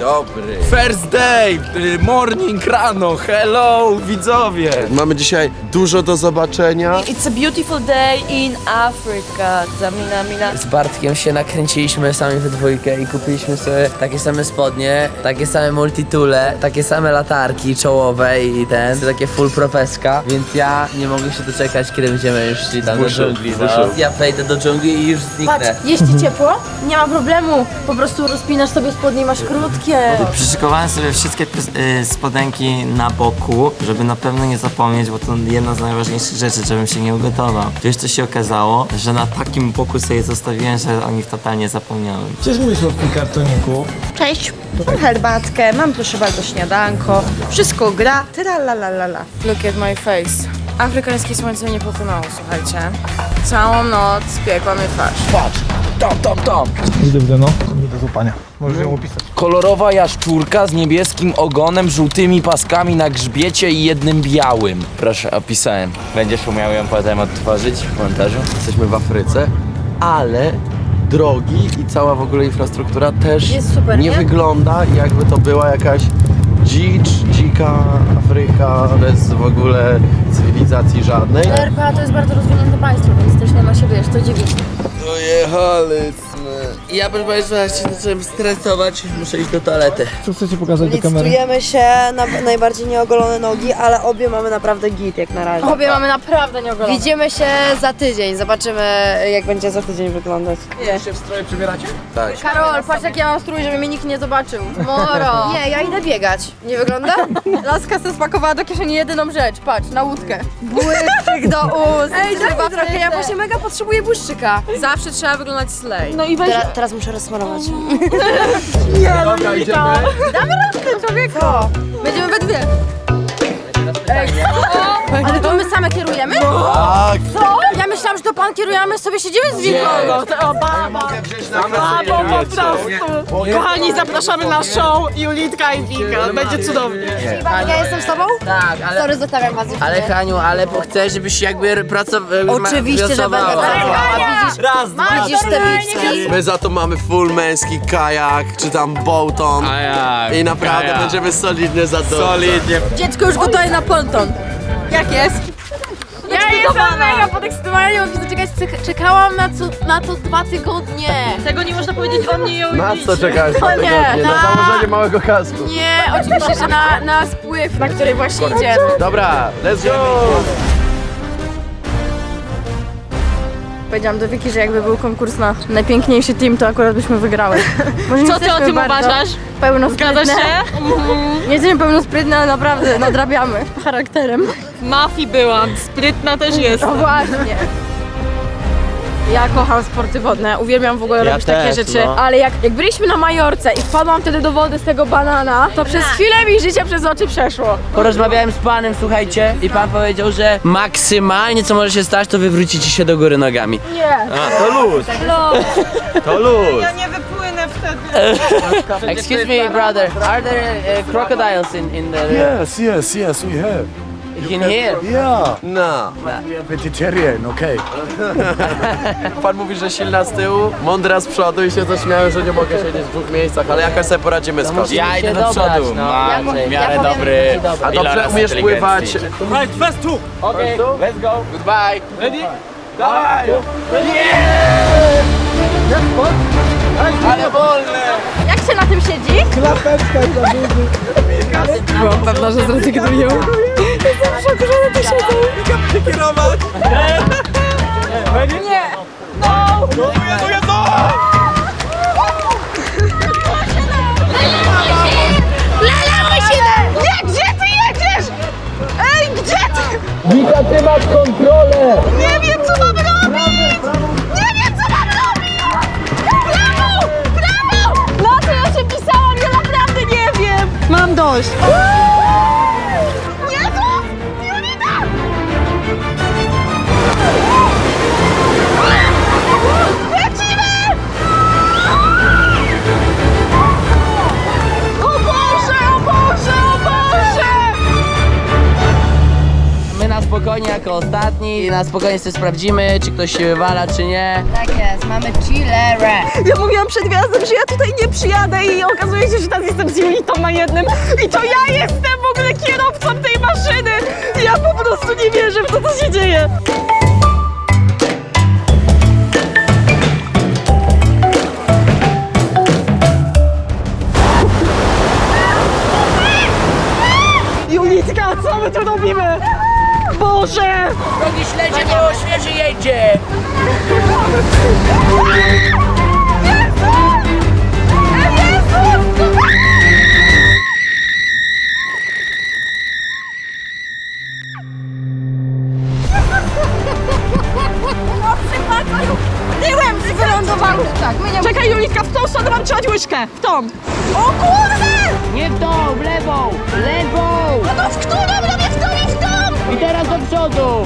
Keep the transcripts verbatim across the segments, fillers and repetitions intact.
dobry. First day, morning, rano, hello widzowie. Mamy dzisiaj dużo do zobaczenia. It's a beautiful day in Africa. Zamina, mina. Z Bartkiem się nakręciliśmy sami we dwójkę i kupiliśmy sobie takie same spodnie, takie same multitule, takie same latarki czołowe i ten, takie full profeska, więc ja nie mogę się doczekać, kiedy będziemy już szli tam do dżungli. No. Ja wejdę do dżungli i już zniknę. Patrz, jest ci ciepło? Nie ma problemu. Po prostu rozpinasz sobie spodnie i masz krótkie. Przyszykowałem sobie wszystkie y, spodenki na boku, żeby na pewno nie zapomnieć, bo to jedna z najważniejszych rzeczy, żebym się nie ugotował. Wiesz, co się okazało? Że na takim boku sobie zostawiłem, że o nich totalnie zapomniałem. Cześć mój słodki kartoniku. Cześć, mam herbatkę, mam proszę bardzo śniadanko, wszystko gra, tralalala. Look at my face. Afrykańskie słońce nie pokonało, słuchajcie. Całą noc piekła mnie twarz. Patrz, tam, tam, tam. Idę w no, nie do złapania. Możesz ją opisać. Kolorowa jaszczurka z niebieskim ogonem, żółtymi paskami na grzbiecie i jednym białym. Proszę, opisałem. Będziesz umiał ją potem odtworzyć w montażu? Jesteśmy w Afryce, ale drogi i cała w ogóle infrastruktura też Jest super, nie nie? wygląda, jakby to była jakaś dzicz, dzika Afryka bez w ogóle cywilizacji żadnej. R P A to jest bardzo rozwinięte państwo, więc też nie ma się, wiesz, co dziwić. Dojechaliśmy. Ja proszę Państwa, jak się zacząłem stresować, muszę iść do toalety. Co chcecie pokazać do kamery? Licytujemy się na najbardziej nieogolone nogi, ale obie mamy naprawdę git jak na razie. Obie mamy naprawdę nieogolone. Widzimy się za tydzień, zobaczymy jak będzie za tydzień wyglądać. się w stroje przebieracie? Tak. Karol, patrz jak ja mam strój, żeby mnie nikt nie zobaczył. Moro! Nie, ja idę biegać. Nie wygląda? Laska se spakowała do kieszeni jedyną rzecz, patrz, na łódkę. Błyszczyk do ust. Ej, daj mi Trzeba trochę, ja właśnie mega potrzebuję błyszczyka. Zawsze trzeba wyglądać slay. No i weź... Teraz, teraz muszę rozsmarować. Dobra, idziemy. Człowieku! Będziemy we dwie. Ej, ale to my same kierujemy? Tak. Co? Ja myślałam, że to pan kieruje, a my sobie siedzimy z winką. O, baba! Babo, po prostu! Kochani, zapraszamy na show Julitka i Wika. Będzie cudownie. Ja jestem z tobą? Tak, ale... Sorry, zostawiam was. Ale Haniu, ale chcę, żebyś jakby pracował. Oczywiście, że będę pracowała. Widzisz, Raz, dwa, widzisz te bicki? My za to mamy full męski kajak, czy tam boaton. A jak? I naprawdę A jak? będziemy solidnie za to. Solidnie. Dziecko już gotowe na ponton. Jak jest? Ja jestem mega podekscytowana, nie mogę się doczekać. Czek- Czekałam na, co, na to dwa tygodnie. Tego nie można powiedzieć o mnie i o Na co czekałeś? No nie, Na na- założenie małego kasku. Nie, oczywiście, że na, na spływ, na który właśnie idziemy. Dobra, let's go! Powiedziałam do Wiki, że jakby był konkurs na najpiękniejszy team, to akurat byśmy wygrały. Może nie Co ty o jesteśmy tym bardzo uważasz? Pełnosprytne. Zgadzasz się? Nie jesteśmy pełnosprytne, ale naprawdę nadrabiamy charakterem. W mafii byłam, sprytna też jest. No właśnie. Ja kocham sporty wodne, uwielbiam w ogóle Ja robić też, takie rzeczy, no. ale jak, jak byliśmy na Majorce i wpadłam wtedy do wody z tego banana, to przez chwilę mi życie przez oczy przeszło. Porozmawiałem z panem, słuchajcie, i pan powiedział, że maksymalnie co może się stać, to wywrócicie się do góry nogami. Nie. A, to luz, No. to luz. Nie wypłynę wtedy. Excuse me, brother, are there uh, crocodiles in, in the... Yes, yes, yes, we have. in here? Yeah. No. Vegetarian, okay. Pan mówi, że silna z tyłu, mądra z przodu i się zaśmiałem, że nie mogę siedzieć w dwóch miejscach, ale jakoś sobie poradzimy z kosztem. Ja idę do przodu, no. mam w miarę dobry... A dobrze umiesz pływać? Right, first two. Okay, let's go. Goodbye. Ready? Dawaj! Ale wolne! Jak się na tym siedzi? Klapeczka dla burzy. Byłam pewna, że zrezygnują. Jestem w szoku, że one tu siedzą. Kierować! Nie! No, Jezu, Jezu! Lala, musimy! Nie, gdzie ty jedziesz? Ej, gdzie ty? Wika, ty masz kontrolę! Nie wiem, co mam robić! Nie wiem, co mam robić! Brawo! Brawo! Na co ja się pisałam? Ja naprawdę nie wiem! Mam dość! Jezu! Julita! Lecimy! O Boże, o Boże, o Boże! My na spokojnie jako ostatni i na spokojnie sobie sprawdzimy, czy ktoś się wywala, czy nie. Tak jest. Mamy chillerę. Ja mówiłam przed wjazdem, że ja tutaj nie przyjadę i okazuje się, że teraz jestem z Julitą na jednym i to ja jestem w ogóle kierowcą tej maszyny. Ja po prostu nie wierzę w to, co się dzieje. Julitka, co my tu robimy? Boże! Drogi śledzie, bo świeży jedzie! Tyłem wylądowałam! Tak, my nie... Czekaj, Julitka, w tą stronę mam trzymać łyżkę! W tą! O kurde! Nie w tą, w lewą! Lewą! No to w którą? Robię w tą i w tą! I teraz do przodu!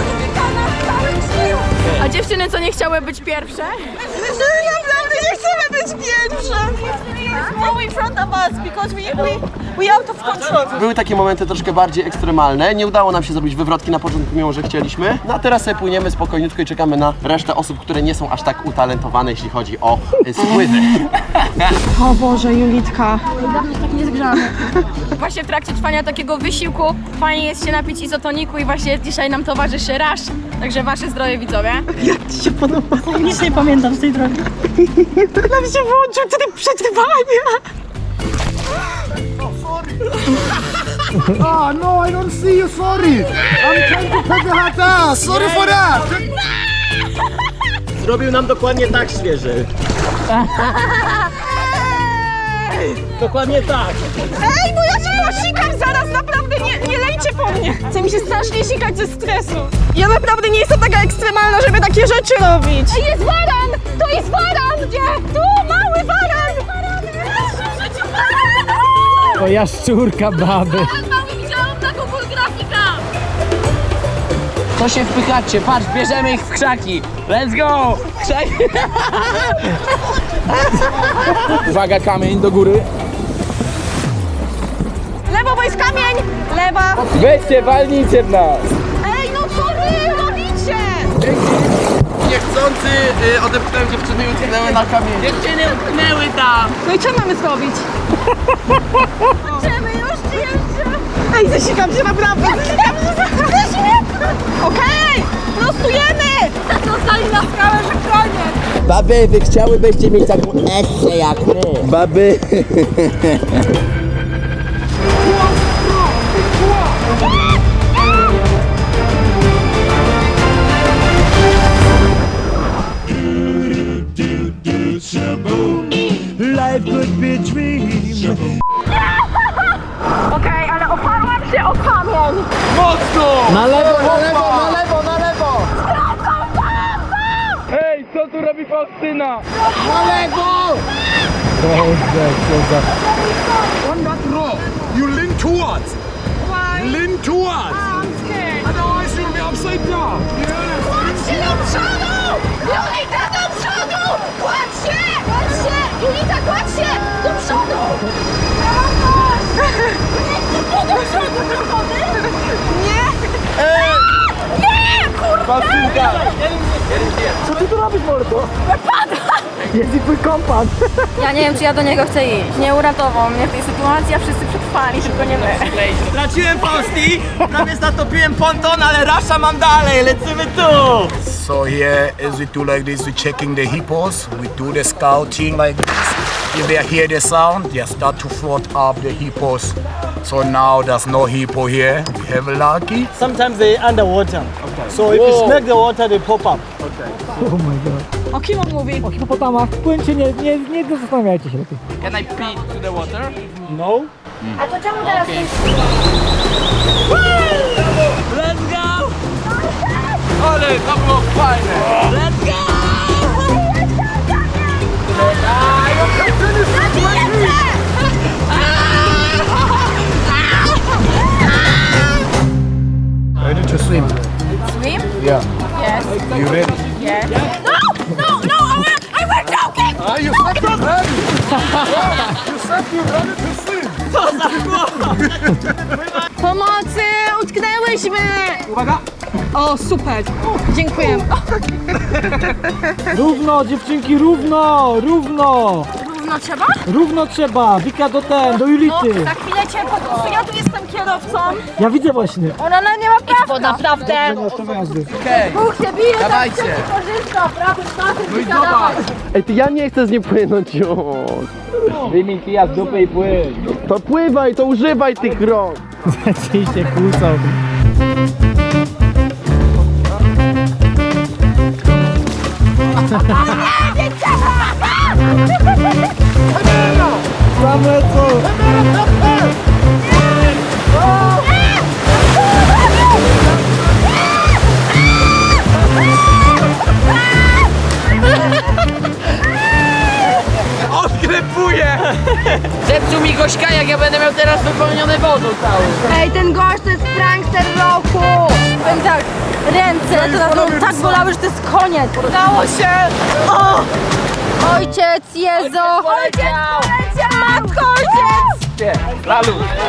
A dziewczyny, co nie chciały być pierwsze? Naprawdę nie chcemy być pierwsze! No in front of us, because we, we, we out of control. Były takie momenty troszkę bardziej ekstremalne. Nie udało nam się zrobić wywrotki na początku, mimo że chcieliśmy. No a teraz sobie płyniemy spokojniutko i czekamy na resztę osób, które nie są aż tak utalentowane, jeśli chodzi o y, spływy. O Boże, Julitka. Właśnie w trakcie trwania takiego wysiłku fajnie jest się napić izotoniku i właśnie dzisiaj nam towarzyszy Rush. Także wasze zdrowie, widzowie. Jak ci się podoba? Nic nie pamiętam z tej drogi. Nam się włączył tryb przetrwania. Oh no, I don't see you, sorry. I'm trying to put the hat down. Sorry for that. Zrobił nam dokładnie tak świeży. Dokładnie tak. Ej, bo ja się posikam zaraz, naprawdę nie, nie lejcie po mnie. Chce mi się strasznie sikać ze stresu. Ja naprawdę nie jestem taka ekstremalna, żeby takie rzeczy robić. Ej, jest waran! To jest waran! Gdzie? Tu, mały waran! To jaszczurka baby. Mały widziałam na Google Grafika. To się wpychacie, patrz, bierzemy ich w krzaki. Let's go! Krzaki. Uwaga, kamień do góry. Lewo, bo jest kamień! Lewa! Weźcie, walnijcie w nas! Ej, no co wy robicie? Niechcący y, odepchnąłem dziewczyny i utknęły na kamieniu. Dziewczyny utknęły tam. No i co mamy zrobić? Idziemy już, czy jeszcze? Ej, zasikam się naprawdę! Zasikam się! Zasikam! Okej! Prostujemy! Zostali na skałę, że koniec. Baby, wy chciałybyście mieć taką eskę jak my. Baby. Life could be a dream. Okej, ale oparłam się o kamień! Na lewo, na lewo, na lewo, na lewo. Ej, co tu robi Faustyna? Na lewo! On that rope, you lean towards. Why? Lean towards. I'm scared. Otherwise you'll be upside down. Kładź się do przodu! Julita, do przodu! Kładź się! Kładź się! Julita, kładź się! Do przodu! Do przodu, do wody? Nie! Nie! Kurde! Faustynka! Ja nie wiem, czy ja do niego chcę iść. Nie uratował mnie w tej sytuacji, a wszyscy przetrwali, tylko nie my. Straciłem Fausti, prawie zatopiłem ponton, ale rasza mam dalej, lecimy tu! So here, as we do like this, we checking the hippos. We do the scouting like this. If they hear the sound, they start to float up the hippos. So now there's no hippo here. We have lucky. Sometimes they underwater. So if you smack the water, they pop up. O kim on mówi? O hipopotamach. Płyńcie, nie, nie, nie zastanawiajcie się lepiej. Can I pee to the water? No. Let's go! Ale to było fajne! Let's go! Ready to swim? Swim? Yeah. Yes. You ready? Yes. No, no, I were joking! Ah, you said you're ready. You said you're ready to swim. Pomocy! Utknęłyśmy! Uwaga! O, super. Dziękuję. Równo, dziewczynki, równo, równo. Równo trzeba? Równo trzeba, Wika do ten, do Julity. Za chwilę cię po prostu, ja tu jestem kierowcą. Ja widzę właśnie. Ona na nie ma prawa. Bo naprawdę. Nie masz to jazdy. Bóg się bije, Dawajcie. tak się korzysta. Prawym pasem Wika, dawaj. Ej, ty ja nie chcę z nim płynąć już. Wyjmij kija z dupy i płyń. To pływaj, to używaj tych rąk. Ci się kłócą. Tam lecą. Zepsuł mi gośka, jak ja będę miał teraz wypełnione wodą cały. Ej, ten gość to jest prankster roku! Powiem tak, ręce to na pewno tak bolały, że to jest koniec. Udało się. O! Ojciec, Jezu! Ojciec, ojciec, matko, ojciec! Lalu.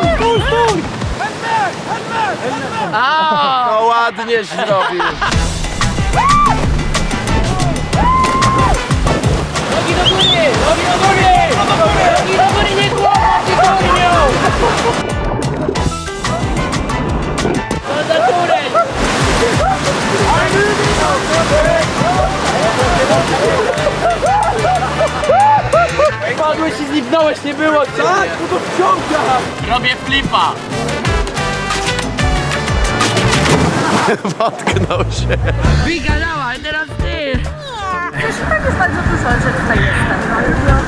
No ładnie zrobił. Nogi do góry! Nogi do góry! Nogi do góry, nie głowa, ty górnią! To za turę! Padłeś i zniknąłeś, nie było cię! Tak, bo to wciąga! Robię flipa! Potknął się. Wika, dawaj, teraz ty! Tak jest bardzo dużo, że tutaj jestem.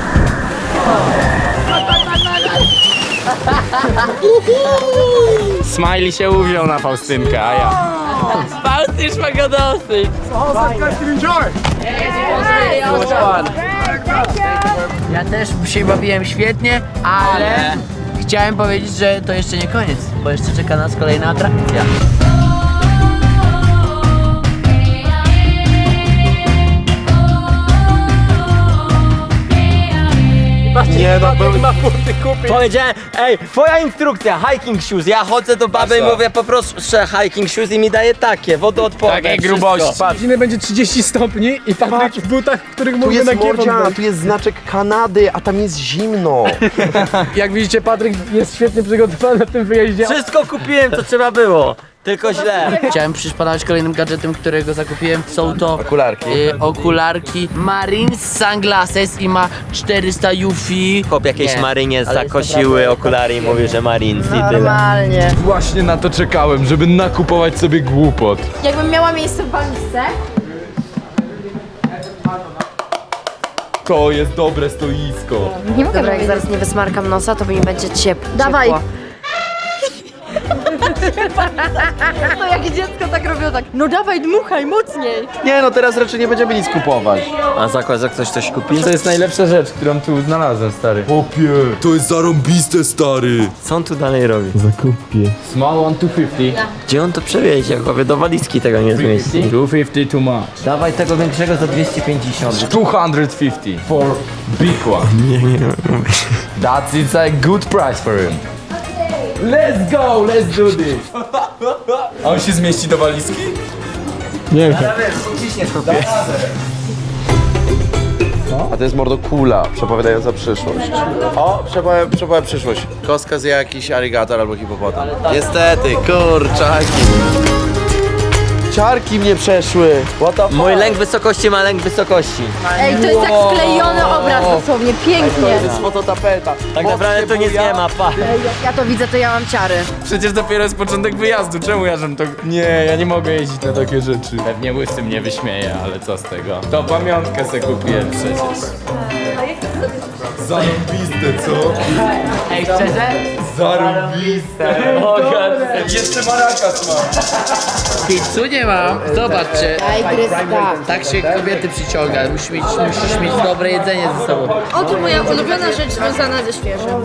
Smiley się uwziął na Faustynkę, a ja. Faustysz ma go dosyć! Ja też się bawiłem świetnie, ale chciałem powiedzieć, że to jeszcze nie koniec, bo jeszcze czeka nas kolejna atrakcja. Nie no, był... Powiedziałem, ej, twoja instrukcja, hiking shoes. Ja chodzę do baby i mówię, poproszę hiking shoes i mi daje takie, wodoodporne. Takie grubości. Patrz. Godzinę będzie trzydzieści stopni i Patryk w butach, w których Tu mógłby jest na kiewon mordzia, wejść. tu jest znaczek Kanady, a tam jest zimno. Jak widzicie, Patryk jest świetnie przygotowany na tym wyjeździe. Wszystko kupiłem, co trzeba było. Tylko źle. Chciałem przyszpanować kolejnym gadżetem, którego zakupiłem. Są to Okularki. y, okularki Marines Sunglasses i ma czterysta Yufi. Chłop jakiejś Nie, marynie ale jest zakosiły okulary i mówił, że Marines i tyle. Normalnie. Właśnie na to czekałem, żeby nakupować sobie głupot. Jakbym miała miejsce w walizce, To jest dobre stoisko. nie mogę Dobra, jak zaraz nie wysmarkam nosa, to mi będzie ciepło. Dawaj. ciepło. To jak dziecko tak robią tak, no dawaj, dmuchaj mocniej. Nie no, teraz raczej nie będziemy nic kupować. A zakład, że ktoś coś kupi? To jest najlepsza rzecz, którą tu znalazłem, stary. Popie, to jest zarąbiste, stary. Co on tu dalej robi? Zakupie. Small one two fifty. Gdzie on to przewiezie? Chłopie, do walizki tego nie zmieści. two fifty too much. Dawaj tego większego za dwieście pięćdziesiąt. two fifty for big one. Nie, nie, That's it's a good price for him. Let's go, let's do this. A on się zmieści do walizki? Nie wiem. A to jest mordo kula, przepowiadająca przyszłość. O, przepowiadam, przepowiadam przyszłość. Kostka zje jakiś aligator albo hipopotam. Niestety, kurczaki. Ciarki mnie przeszły. What the fuck? Mój lęk wysokości ma lęk wysokości. Ej, to jest jak sklejony obraz dosłownie, pięknie. To jest fototapeta. Tak naprawdę to nic nie ma, pa. Ja to widzę, to ja mam ciary. Przecież dopiero jest początek wyjazdu, czemu ja żem to... Nie, ja nie mogę jeździć na takie rzeczy. Pewnie łysy mnie wyśmieje, ale co z tego? To pamiątkę se kupiłem przecież. Zarąbiste, co? Ej, szczerze? Zarąbiste. Jeszcze marakas mam. Pizzu nie mam. Zobaczcie. Tak się kobiety przyciąga. Musisz mieć, musisz mieć dobre jedzenie ze sobą. Oto moja ulubiona rzecz związana ze świeżym.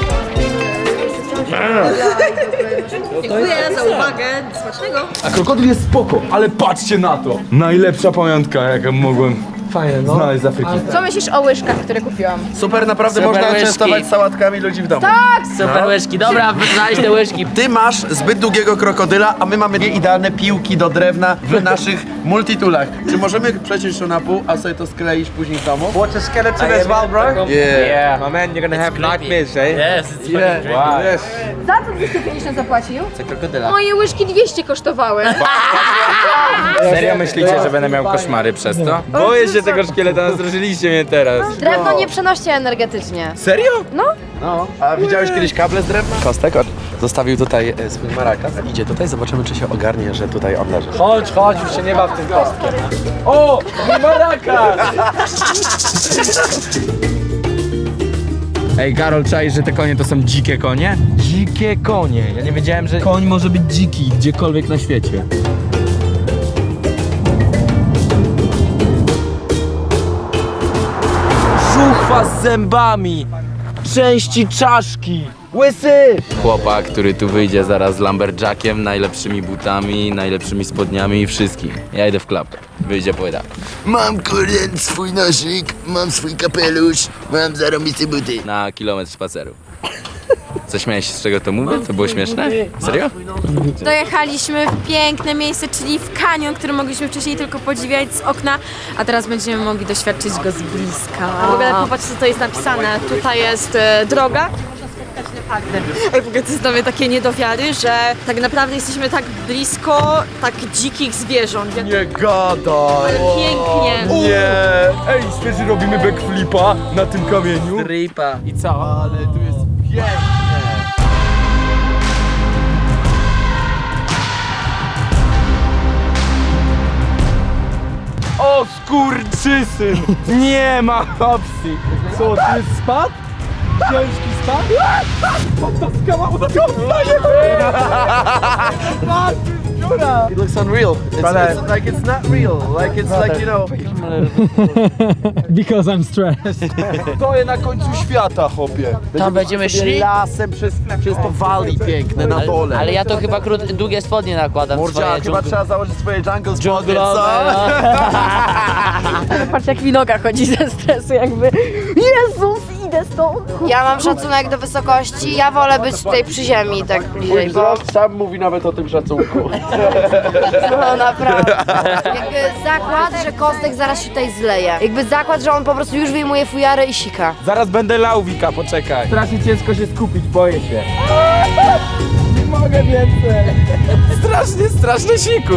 Dziękuję za uwagę, smacznego. A krokodyl jest spoko, ale patrzcie na to. Najlepsza pamiątka, jaką mogłem Fajne, no. Znaleźć z Afryki. Co myślisz o łyżkach, które kupiłam? Super, naprawdę Super można łyżki. częstować sałatkami ludzi w domu. Tak! Super łyżki, dobra, znaleźć te łyżki. Ty masz zbyt długiego krokodyla, a my mamy dwie idealne piłki do drewna w naszych multitulach. Czy możemy przeciąć to na pół, a sobie to skleić później w domu? Watch a skeleton as well, bro. Yeah. My man, you're gonna have nightmares, eh? Yes, it's Yeah. Wow. Yes. Za co dwieście pięćdziesiąt zapłacił? Za krokodyla. Moje łyżki dwieście kosztowały. Serio myślicie, że będę miał koszmary przez to? Boję się tego szkieleta, nastraszyliście mnie teraz. Drewno nie przenosi energetycznie. Serio? No. No. A widziałeś kiedyś kable z drewna? Kostek od- zostawił tutaj e, swój marakas. Idzie tutaj, zobaczymy czy się ogarnie, że tutaj on leży. Chodź, chodź, już się nie baw w tym kostkiem. O, mój marakas! Ej, Karol, czaisz, że te konie to są dzikie konie? Dzikie konie. Ja nie wiedziałem, że koń może być dziki gdziekolwiek na świecie. Żuchwa z zębami! Części czaszki! Łysy! Chłopak, który tu wyjdzie zaraz z lumberjackiem, najlepszymi butami, najlepszymi spodniami i wszystkim. Ja idę w klapę. Wyjdzie płyta. Mam kurde swój noszyk, mam swój kapelusz, mam zarobiste buty. Na kilometr spaceru. Co, śmiałeś się z czego to mówię? To było śmieszne? Serio? Dojechaliśmy w piękne miejsce, czyli w kanion, który mogliśmy wcześniej tylko podziwiać z okna, a teraz będziemy mogli doświadczyć go z bliska. W ogóle popatrz, co to jest napisane. Tutaj jest e, droga. Można spotkać leopardy. Ej, w ogóle to jest dla mnie takie niedowiary, że tak naprawdę jesteśmy tak blisko tak dzikich zwierząt. Jak Nie gadaj! pięknie. Nie! Ej, świeży robimy backflipa na tym kamieniu. Ripa. I co? Ale tu jest pięknie! O skurczysyn! Nie ma opcji! Co, tu jest spad? Ciężki spad? Ta skała odstaje! It looks unreal. It's, it's like it's not real. Like it's like, you know... Because I'm stressed. Stoję na końcu świata, chłopie. Tam będziemy szli? Lasem przez, przez to valley piękne na dole. Ale ja to chyba krót, długie spodnie nakładam. Mordzia, swoje chyba dżungl- trzeba założyć swoje jungle spodnie, dżunglowe, co? Ale patrz, jak mi noga chodzi ze stresu, jakby Jezus, idę stąd. Ja mam szacunek do wysokości, ja wolę być tutaj przy ziemi, tak bliżej, Mój bo wzrost sam mówi nawet o tym szacunku. no naprawdę. Jakby zakład, że Kostek zaraz się tutaj zleje. Jakby zakład, że on po prostu już wyjmuje fujarę i sika. Zaraz będę lał, Wika, poczekaj. Strasznie ciężko się skupić, boję się. Nie mogę więcej. Strasznie, strasznie siku.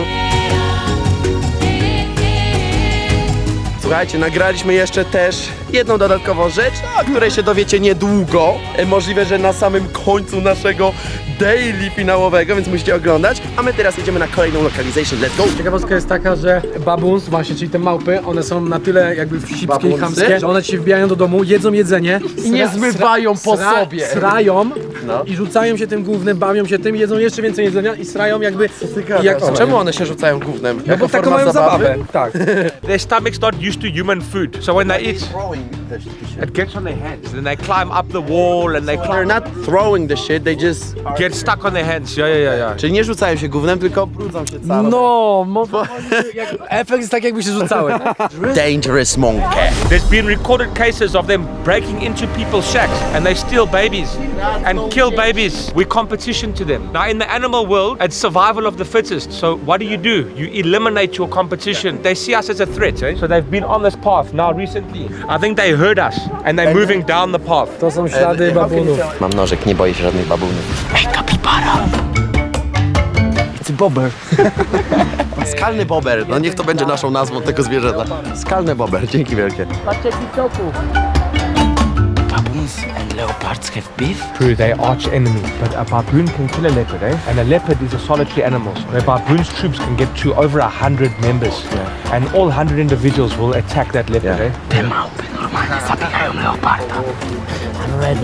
Słuchajcie, nagraliśmy jeszcze też jedną dodatkową rzecz, o której się dowiecie niedługo. E, Możliwe, że na samym końcu naszego daily finałowego, więc musicie oglądać. A my teraz jedziemy na kolejną localization. Let's go! Ciekawostka jest taka, że babuns, właśnie, czyli te małpy, one są na tyle jakby wścibskie i Babunsy? chamskie, że one ci wbijają do domu, jedzą jedzenie I nie sra- zmywają po sra- sobie. Srają No. i rzucają się tym głównym, bawią się tym, jedzą jeszcze więcej jedzenia i srają jakby... I jak, jak, czemu one się rzucają gównem? No Jako bo taką forma mają zabawy? zabawę, tak. Their stomach's not used to human food, so when they eat, Throwing the shit. it gets on their hands. Then they climb up the wall and they They're climb, not throwing the shit, they just... get stuck on their hands. Yeah, yeah, yeah, yeah. Czyli nie rzucają się gównem, tylko brudzą się całe. No, mo- jak, efekt jest tak jakby się rzucały. Dangerous monkey. There's been recorded cases of them breaking into people's shacks and they steal babies and kill babies. We competition to them. Now in the animal world, it's survival of the fittest. So what do you do? You eliminate your competition. They see us as a threat, eh? So they've been on this path now recently. I think they heard us and they're moving down the path. To są ślady babunów. Mam nożyk, nie boję się żadnych babunów. Ej, kapibara! It's a bobber. Skalny bober, no niech to będzie naszą nazwą tego zwierzęta. Skalny bober, dzięki wielkie. Patrzcie TikToku. Baboons and leopards have beef? True, they're arch enemy, but a baboon can kill a leopard, eh? And a leopard is a solitary animal. So the baboon's troops can get to over a hundred members, yeah. And all hundred individuals will attack that leopard, Yeah. eh? Te małpy normalnie zabijają leoparda. I'm ready.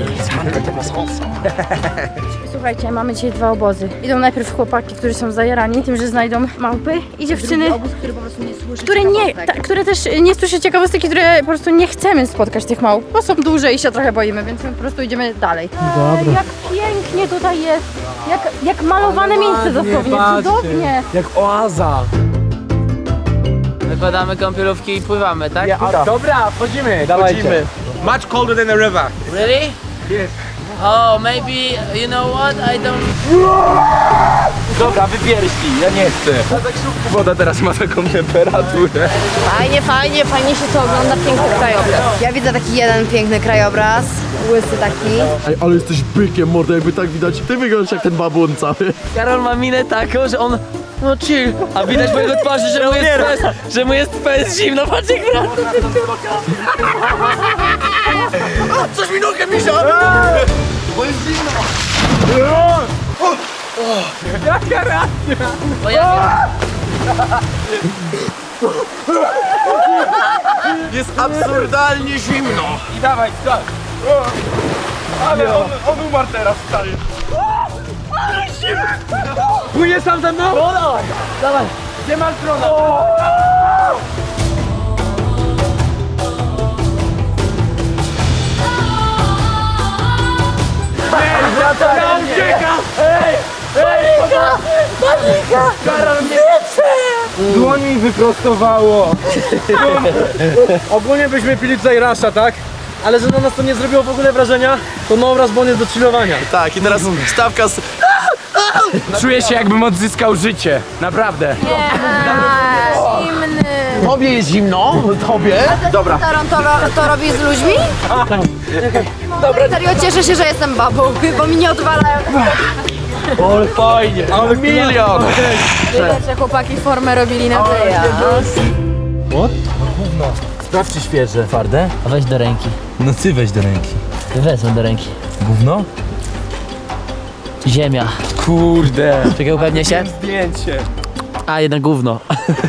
Słuchajcie, mamy dzisiaj dwa obozy. Idą najpierw chłopaki, którzy są zajarani tym, że znajdą małpy i dziewczyny, Obóz, który po prostu nie słyszy które, nie, ciekawostek. ta, które też nie słyszy ciekawostek, które po prostu nie chcemy spotkać tych małp, bo są duże i się trochę boimy, więc my po prostu idziemy dalej. Dobra. Jak pięknie tutaj jest, jak, jak malowane miejsce Ładnie, dosłownie, patrzcie. cudownie. Jak oaza. Zakładamy kąpielówki i pływamy, tak? Dobra, wchodzimy, dawajcie. Chodzimy. Much colder than the river. Really? Yes. Oh, maybe, you know what, I don't... Dobra, wypierśnij, ja nie chcę. A tak szybko woda teraz ma taką temperaturę. Fajnie, fajnie, fajnie się to ogląda, piękny krajobraz. Ja widzę taki jeden piękny krajobraz, łysy taki. Ej, ale jesteś bykiem, mordo, jakby tak widać. Ty wyglądasz jak ten babun cały. Karol ma minę taką, że on... No chill, a widać po jego twarzy, że mu jest fest, że mu jest fest zimno, patrz jak wraca. Coś mi nogę misia! Bo jest zimno! Jaka racja! O, ja... Jest absurdalnie zimno! I dawaj, tak. Ale on, on umarł teraz, stary. Płynie sam ze mną? No dawaj, dawaj. Gdzie masz drona? Ja uciekam! Panika! Panika! Karol mnie... Dłoń mi wyprostowało. Ogólnie byśmy pili tutaj rasza, tak? Ale że na nas to nie zrobiło w ogóle wrażenia, to no obraz, bo on jest do chillowania. Tak, i teraz stawka z... Czuję się, jakbym odzyskał życie. Naprawdę. Nie, zimny. Tobie jest zimno? Tobie? Dobra. To, to, to robi z ludźmi? Dobra. Serio, cieszę się, że jestem babą, bo mi nie odwalają. Ale fajnie. Ale milion! Widać, że chłopaki formę robili na wyjazd. Sprawdź czy świeże. Twarde? A weź do ręki. No ty weź do ręki. Wezmę do ręki. Gówno? Ziemia. Kurde. Czekaj, upewnię się. Zdjęcie. A, jednak gówno.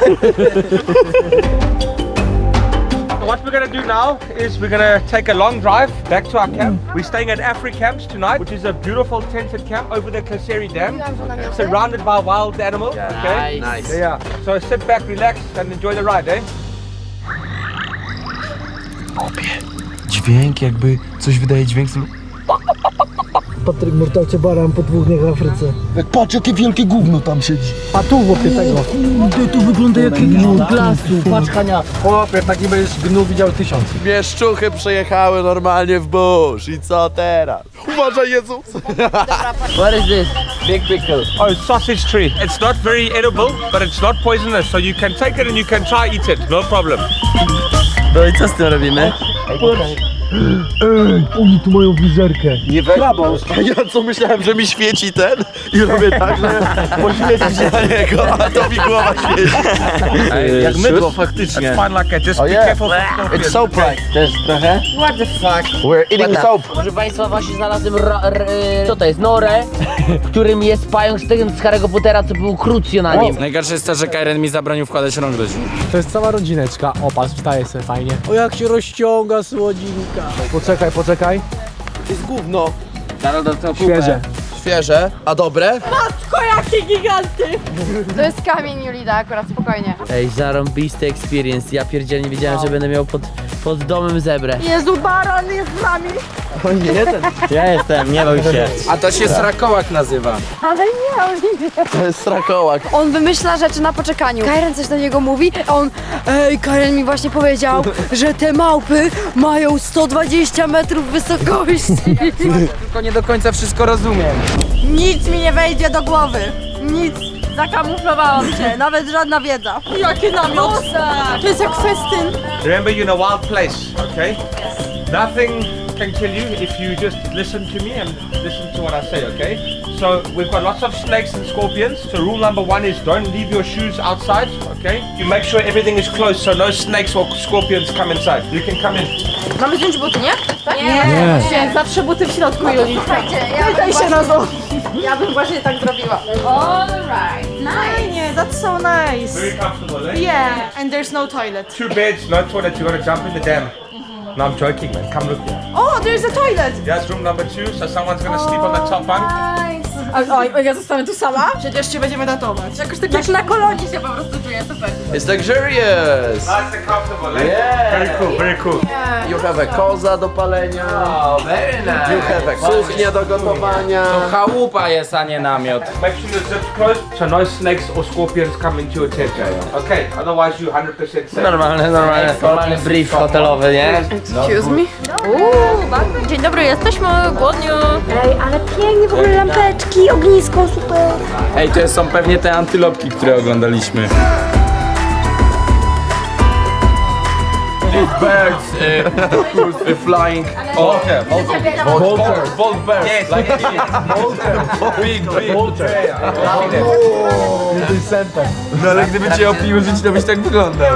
What we're gonna do now is we're gonna take a long drive back to our camp. We're staying at Afri Camps tonight, which is a beautiful tented camp over the Kaseri Dam, surrounded by wild animals. Okay. Nice. Yeah. So sit back, relax, and enjoy the ride, eh? Dźwięk jakby coś wydaje dźwięk. Patryk Mortalcie Baran po dwóch dniach w Afryce. Patrz, jakie wielkie gówno tam siedzi. A tu chłopie tego. Kurde, to wygląda jak gnu. Patrz Hania. Chłopie, taki będziesz gnu widział tysiąc. Mieszczuchy przejechały normalnie w burz. I co teraz? Uważaj, Jezus! What is this? Big pickle. Oh, sausage tree. It's not very edible, but it's not poisonous, so you can take it and you can try eat it, no problem. No i co z tym robimy? Ej, oni tu mają wizerkę. Nie weź. Ja co myślałem, że mi świeci ten i robię tak, że poświeci się na niego, a to mi głowa świeci. Ej, jak mydło faktycznie. It's fine like that, just Oh, be yeah. careful for scorpions. It's soap right. Też trochę? What the fuck? We're eating soap. Proszę Państwa, właśnie znalazłem ro, r, co to jest? Norę, w którym jest pająk z tego z Harry'ego Pottera, co był Crucio na nim. Najgorsze jest to, że Kairen mi zabronił wkładać rąk do drzwi. To jest cała rodzineczka. O, patrz, wstaje sobie fajnie. O, jak się rozciąga słodzinka. Poczekaj, poczekaj. To jest gówno. Karol dostał kupę. Świeże. Świeże, a dobre? Matko, jakie giganty! To jest kamień, Julida, akurat spokojnie. Ej, zarąbisty experience. Ja pierdzielnie nie wiedziałem, że będę miał pod, pod domem zebrę. Jezu, baran jest z nami! O nie, ten. Ja jestem, nie bój się. A to się srakołak nazywa. Ale nie, on nie. To jest strakołak. On wymyśla rzeczy na poczekaniu. Karen coś do niego mówi, a on... Ej, Karen mi właśnie powiedział, że te małpy mają sto dwadzieścia metrów wysokości. Tylko nie do końca wszystko rozumiem. Nic mi nie wejdzie do głowy! Nic! Zakamuflowałam cię, nawet żadna wiedza. Jakie namiot! To jest jak festyn. Remember, you're in a wild place, okay? Nothing can kill you if you just listen to me and listen to what I say, okay? So we've got lots of snakes and scorpions. So rule number one is don't leave your shoes outside, okay? You make sure everything is closed so no snakes or scorpions come inside. You can come in. Mamy zdjąć buty, nie? Nie, nie. Zawsze buty w środku, Juli. Pytaj się na to. Ja bym właśnie tak zrobiła. Alright, nice. Nie, that's so nice. Very comfortable, eh? Yeah, and there's no toilet. Two beds, no toilet. You gotta jump in the dam. No, I'm joking, man. Come look here. Oh, there's a toilet. That's room number two. So someone's gonna sleep on the top bunk. Nice. A, a ja zostanę tu sama? Przecież cię będziemy ratować. Jakoś tak jak na kolonii się po prostu czuję, super. It's luxurious! Nice and comfortable. eh? Yeah. Very cool, very cool. You have a koza do palenia. Oh, very nice. You have a kuchnia do gotowania. To chałupa jest, a nie namiot. Make sure the zip's closed so no snakes or scorpions come into your tent. Okay, otherwise you one hundred percent safe. Normalny, normalny, normalny brief hotelowy, nie? Excuse me? Uuu, bardzo. Dzień dobry, jesteśmy głodni. Ej, ale pięknie w ogóle lampeczki, ognisko, super. Ej, to są pewnie te antylopki, które oglądaliśmy. These birds uh, uh, flying. Oh, okay. Vultures. Vultures. Birds. Yes. Like big, big. No ale gdyby cię opił żyć, to byś tak wyglądał.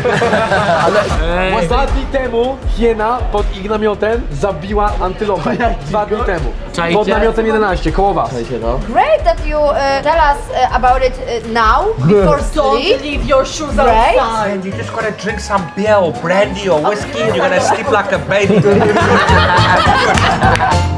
Dwa dni temu hiena pod ich namiotem zabiła antylopę. Dwa dni temu. Czajcie? Pod namiotem jedenaście, koło was. Great that you uh, tell us uh, about it uh, now, before sleep. Leave your shoes Right? outside. And you just gotta drink some beer or brandy or whiskey and you're gonna sleep like a baby.